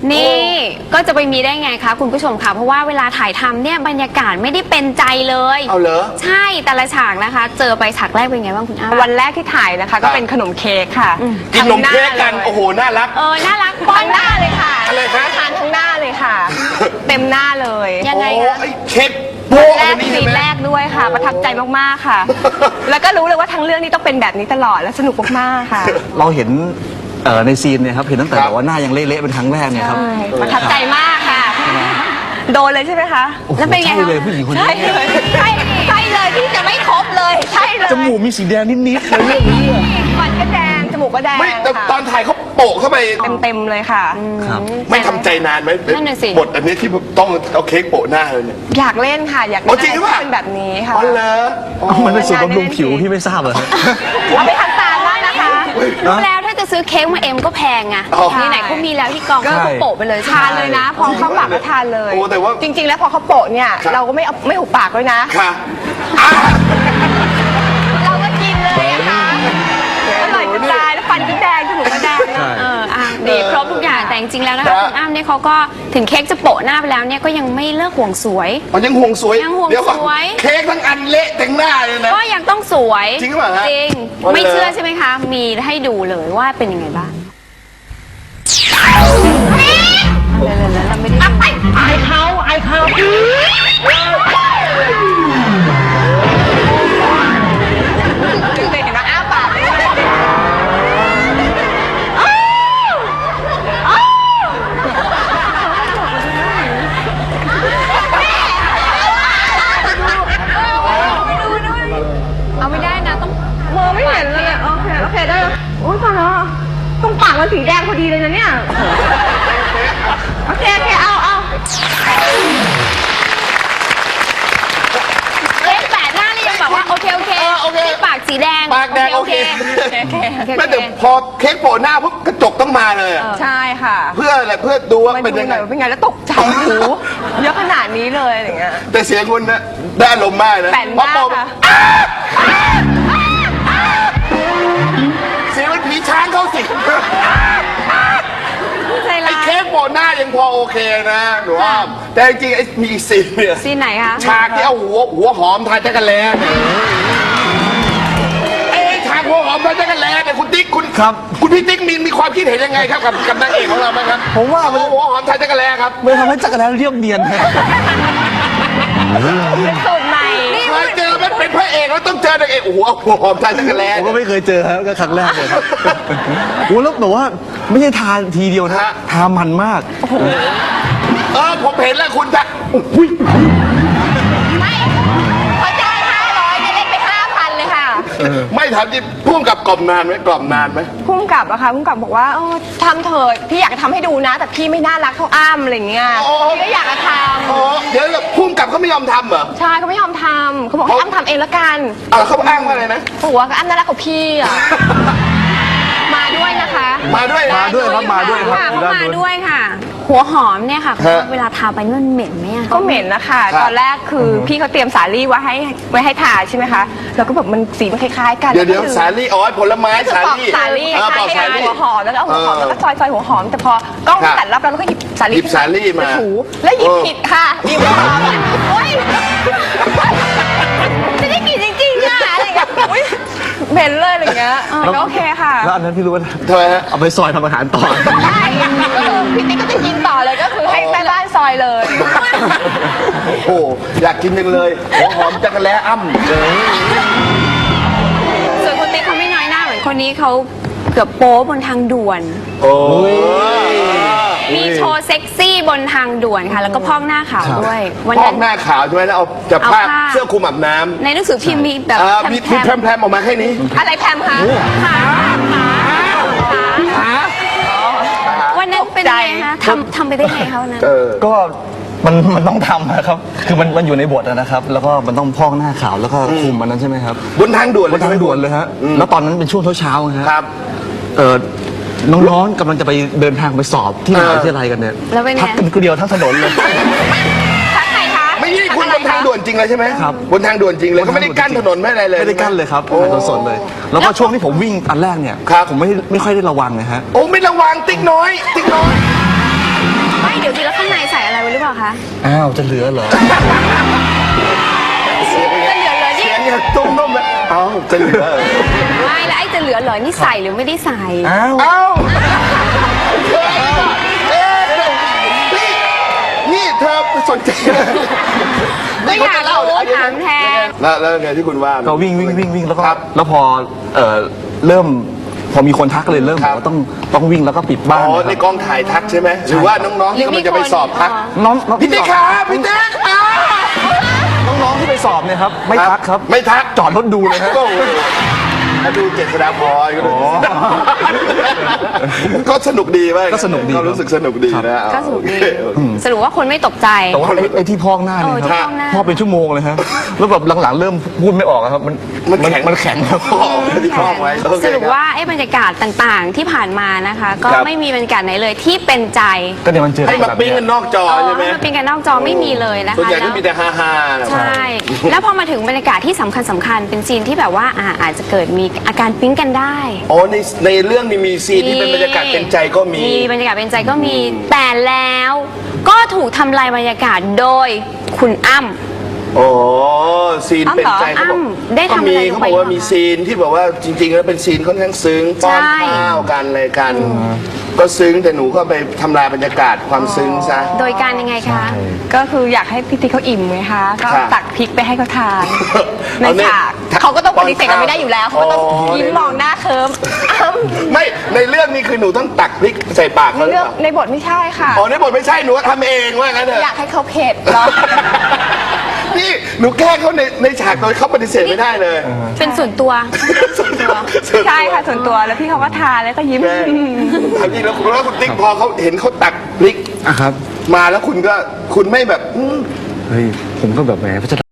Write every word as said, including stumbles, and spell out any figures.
นี่ก็จะไปมีได้ไงคะคุณผู้ชมคะเพราะว่าเวลาถ่ายทำเนี่ยบรรยากาศไม่ได้เป็นใจเลยเอาเหรอใช่แต่ละฉากนะคะ เจอไปฉากแรกเป็นไงบ้างคุณอ้ำวันแรกที่ถ่ายนะคะก็เป็นขนมเค้กค่ะกินนมเค้กกันโอ้โหน่ารักเออน่ารักป้อทั้นงหน้าเลยค่ะอะไรคะทานทั้งหน้าเลยค่ะ เต็มหน้าเลยยังไงโอ้คะไอ้เค้กโป๊ะแรอักนนี้ซีใช่นไหมแรกด้วยค่ะ ประทับใจมากๆค่ะ แล้วก็รู้เลยว่าทั้งเรื่องนี้ต้องเป็นแบบนี้ตลอดและสนุกมากๆค่ะเราเห็นเอ่อในซีนเนี่ยครับเห็นตั้งแต่ครับแบบว่าหน้ายังเละๆเป็นครั้งแรกเนี่ยครับใช่ประทับใจมากค่ะ โดนเลยใช่ไหมคะโอ้โหแล้วเป็นไงใช่คะเลยผู้หญิงคนนี้ใช่เลยใช่ใช่เลยที่จะไม่ครบเลยใช่เลยจมูกมีสีแดงนิดๆเลยเรื่องนี้อะฟันก็แดงจมูกก็แดงไม่แต่ค่ะตอนถ่ายเขาโปะเข้าไปเต็มๆเลยค่ะครับไม่ทำใจนานไหมนั่นน่ะสิบทอันนี้ที่ต้องเอาเค้กโปะหน้าเลยเนี่ยอยากเล่นค่ะ อยากอ๋เล่อน จริงหรืออะไรเปล่าที่เป็นแบบนี้ค่ะอ๋อเหรออ๋อมันเป็นสูตรบำรุงผิวที่ไม่ทราบเหรอฮะเอาไปทำตามได้นะคะรู้แล้วถ้าจะซื้อเค้กมาเอ็มก็แพงอะอ๋อนี่ไหนเขามีแล้วที่กองใช่ก็โปะไปเลยทานเลยนะ พอเขาปากก็ทานเลยโอ้แต่ว่าจริง ๆ แล้วพอเขาโปะเนี่ยครับเราก็ไม่เอาไม่หุบปากด้วยนะค่ะอ่ะเราก็กินเลยอะค่ะอร่อยจะตายแล้วฟันก็แดงจมูกก็แดงใช่เอออ่ะดีครบทุกอย่างแต่จริงๆแล้วนะคะคุณอ้ำเนี่ยเขาก็ถึงเค้กจะโปะหน้าไปแล้วเนี่ยก็ยังไม่เลิกห่วงสวยมันยังห่วงสวยยังห่วงเดี๋ยวก่อนสวยเค้กทั้งอันเละทั้งหน้าเลยนะก็ยังต้องสวยจริงหรือเปล่าฮะจริงอ๋อเหรอไม่เชื่อใช่ไหมคะ มีให้ดูเลยว่าเป็นยังไงบ้างเดี๋ยวๆๆเราไม่ได้ดูไอเขาไอเขาเห็นไหมอ้าปากเอาไม่ได้นะต้องมองไม่เห็นเลยโอเคโอเคได้แล้วโอ้ยตายแล้วตรงปากมันสีแดงพอดีเลยนะเนี่ยโอเคโอเคเอาเอาเค้กแปดหน้านี่ยังบอกว่าโอเคโอเคเออโอเคนี่ปากสีแดงปากแดงโอเคโอเคโอเคโอเคไม่แต่พอเค้กโปะหน้าปุ๊บกระจกต้องมาเลยอะใช่ค่ะเพื่ออะไรเพื่อดูว่ามาเป็นดูยังหไงน่อยว่าเป็นไงแล้วตกใจหูเยอะขนาดนี้เลยอะไรอย่างเงี้ยแต่เสียงคุณนะได้อารมณ์มากนะแปลนพอมากโปะค่ะเสียงมันผีช้างเข้าสิงใจไอ้ร้ายเค้กโปะหน้ายังพอโอเคนะหนูว่าแต่จริงๆไอ้มีอีกซีนเนี่ยซีนไหนคะฉากที่เอาหัวหัวหอมทาจักรแลเนี่ยไอ้ฉากหัวหอมทาจักรแลเนี่ยคุณติ๊กคุณครับคุณพี่ติ๊กมีมีความคิดเห็นยังไงครับกับกับนางเอกของเราบ้างครับผมว่ามันเอหัวหอมทาจักรแลครับมันทำให้จักรแลเรียบเนียนฮะเป็นสูตรใหม่เคยเจอมันเป็นพระเอกแล้วต้องเจอนางเอกโอ้โหเอาหัวหอมทาจักรแลผมก็ไม่เคยเจอครับก็ครั้งแรกเลยครับโอ้แล้วแบบว่าไม่ใช่ทานทีเดียวนะทามันมากเออผมเห็นแล้วคุณจะอุ้ยไม่พอจ่ายห้าร้อยเนี่ยเล่นไปห้าพันเลยค่ะไม่ถามจริงพุ่งกับกล่อมนานไหมกล่อมนานไหมพุ่มกับอะค่ะพุ่มกับบอกว่าเออทำเถิดพี่อยากจะทำให้ดูนะ แต่พี่ไม่น่ารักเท่าอ้ำอะไรอย่างเงี้ยพี่ก็อยากจะทอ๋อเดี๋ยวพุ่งกับเขาไม่ยอมทำเหรอำใช่เขาไม่ยอมทำเขาบอกให้อ้ำทำเองละกันอ่าเขาอ้างว่าอะไรนะหัวก็อ้ำน่ารักกว่าพี่อะ มาด้วยนะคะมาด้วยนะมาด้วยครับมาด้วยครับค่ะอยู่เขาด้านมานู้นด้วยค่ะ หัวหอมเนี่ยค่ะฮะเวลาทาไปนี่มันเหม็นไหมอะก็เหม็นนะคะครับตอนแรกคือพี่เขาเตรียมสาลี่ไว้ให้ไว้ให้ทาใช่ไหมคะแล้วก็แบบมันสีมันคล้ายๆกันเดี๋ยวเดี๋ยวก็คือสาลี่อ๋อผลไม้ก็คือสาปอกลี่สาลี่คเออปล้าอย กๆสากันลี่หัวหอมแล้วก็เอาหัวหอมเออแล้วก็ซอยซอยหัวหอมแต่พอกล้องครับตัดรับแล้วเราก็หยิบสาลี่หยิบสาลี่มาถูแล้วหยิบเออผิดค่ะหยิบหัวหอมโอ๊ยจะได้กลิ่นจริงๆอะอะไรอย่างเงี้ยอุ๊ยเหม็นเลยอะไรอย่างเงี้ยแต่ก็โอเคค่ะแล้วอันนั้นพี่รู้ว่าทำไมฮะเอาไปซอยทำอาหารต่อใช่ก็คือพี่ติ๊กก็จะกินต่อเลยก็คือให้แม่บ้านซอยเลยโอ้โหอยากกินจังเลยหัวหอมจักรแล้อ้ำส่วนคนติ๊กเขาไม่น้อยหน้าเหมือนคนนี้เขาเกือบโป๊บนทางด่วนโอ้ยมีโชว์เซ็กซี่บนทางด่วนค่ะ แล้วก็พอกหน้าขาวด้วย วันพอนั้กนหน้าขาวใช่ไหมแล้วเอาจะเอาผ้าผ้าเสื้อคลุมอาบน้ำในหนังสือพิมพ์มีแบบอ่ามีแพมีมแพรมๆออกมาแค่นี้อะไรแพมคะๆขาขาวันนั้นเป็นไงคะทำทำไปได้ไงคะวันนั้นเออก็มันมันต้องทำนะครับ คือมันมันอยู่ในบทอะนะครับ แล้วก็มันต้องพอกหน้าขาวแล้วก็คุมมันนั้นใช่ไหมครับบนทางด่วนบนทางด่วนเลยฮะอืมแล้วตอนนั้นเป็นช่วงเช้าๆนะฮะครับเออน้องๆกำลังจะไปเดินทางไปสอบที่มหาวิทยาลัยกันเนี่ยแล้วเป็นไงทักกันคนเดียวทั้งถนนเลยทักใครคะไม่ใช่คุณบนทางด่วนจริงเลยใช่ไหมครับบนทางด่วนจริงเลยก็ไม่ได้กั้นถนนไม่อะไรเลยไม่ได้กั้นเลยครับโอ้ทางสดๆเลย แล้วก็ช่วงที่ผมวิ่งอันแรกเนี่ยครับผมไม่ไม่ค่อยได้ระวังนะฮะโอ้ไม่ระวังติ๊กน้อย ติ๊กน้อยอ้าวจะเหลือเหรอเสียงเป็นไงจะเหลือเหรอนี่เสียงเนี่ยตุ้มนุ่มเลยเอ้าจะเหลือเหรอไม่แล้วไอ้จะเหลือเหรอนี่ใส่หรือไม่ได้ใส่อ้าวเอ้าเอ๊ะนี่นี่เธอสนใจไม่อยากรู้ถามแทนแล้วแล้วไงที่คุณว่าก็วิ่งวิ่งวิ่งวิ่งแล้วก็ครับแล้วพอเอ่อเริ่มพอมีคนทักเลยเริ่มครับบอกว่าต้องต้องวิ่งแล้วก็ปิดบ้านอ๋อนะคในรับกองถ่ายทักใช่ไหมหรือว่าน้องๆที่กำลังจะไปสอบทักน้องน้องพี่ติ๊กครับพี่ติ๊กครับน้องๆที่ไปสอบเนี่ยครับไม่ทักครับไม่ทักจอดรถดูเลยฮะโอ้โหถ้าดูเจษฎาพรก็ดูอ๋อก็สนุกดีไหมก็สนุกดีก็รู้สึกสนุกดีนะก็สนุกดีโอเคสรุปว่าคนไม่ตกใจแต่ว่าไอ้ไอ้ที่พอกหน้าเนี่ยเออที่คพรัอกหน้าพอกเป็นชั่วโมงเลยฮะแล้วแบบหลังๆเริ่มพูดไม่ออกอะครับมันมันแข็งมันแข็งครับอ๋อที่พอกไว้โอเคสรุปคบว่าไอ้บรรยากาศต่างๆที่ผ่านมานะคะ ก็ครับไม่มีบรรยากาศไหนเลยที่เป็นใจก็เนี่ยมันเจอให้มาแบบปิ้งเนี้กันยนอกจอเออใช่ไหมให้มันเป็นกันนอกจอไม่มีเลยนะคะส่วนใหญ่ก็แล้วมีแต่ฮาฮาๆนะใช่ แล้วพอมาถึงบรรยากาศที่สำคัญสำคัญเป็นซีนที่แบบว่าอ่าอาจจะเกิดมีอาการปิ๊งกันได้อ๋อในในเรื่องนี้มีซีนที่เป็นบรรยากาศเป็นใจก็มีมีบรรยากาศเป็นใจก็มี แต่แล้วก็ถูกทำลายบรรยากาศโดยคุณอ้ำโอ้ซีนอ้ำเป็นใจเหรอเขาบอกอ้ำได้ทำก็มีอะไรลงเขาไปบอกว่าบ้างมีซีนที่บอกว่าจริง ๆ แล้วเป็นซีนค่อนข้างซึ้งป้อนใช่ข้าวกันอะไรกัน ก็ซึ้งแต่หนูก็ไปทำลายบรรยากาศความซึ้งซะโดยการยังไงคะก็คืออยากให้พี่ติ๊กเขาอิ่มไงคะ ก็ครับตักพริกไปให้เขาทานในเอาเนี่ยฉากเขาก็ต้องปฏิเสธกันไม่ได้อยู่แล้วเขาก็ต้องอ๋อยิ้มมองหน้าเคิมอ้ำไม่ในเรื่องนี้คือหนูต้องตักพริกใส่ปากเขาหรือเรื่องเปล่าในบทไม่ใช่ค่ะอ๋อในบทไม่ใช่หนูทำเองว่างั้นเถอยาอะกให้เขาเผ็ดเนาะนี่หนูแกล้งเขาในในฉากโดยเขาปฏิเสธไม่ได้เลยเป็นส่วนตัวใช่ค่ะส่วนตัวแล้วพี่เขาก็ทานแล้วก็ยิ้มแกล้งทำจริงแล้วคุณแล้วคุณติ๊กพอเขาเห็นเขาตักพริกอ่ะครับมาแล้วคุณก็คุณไม่แบบอืมเฮ้ยผมก็แบบแหม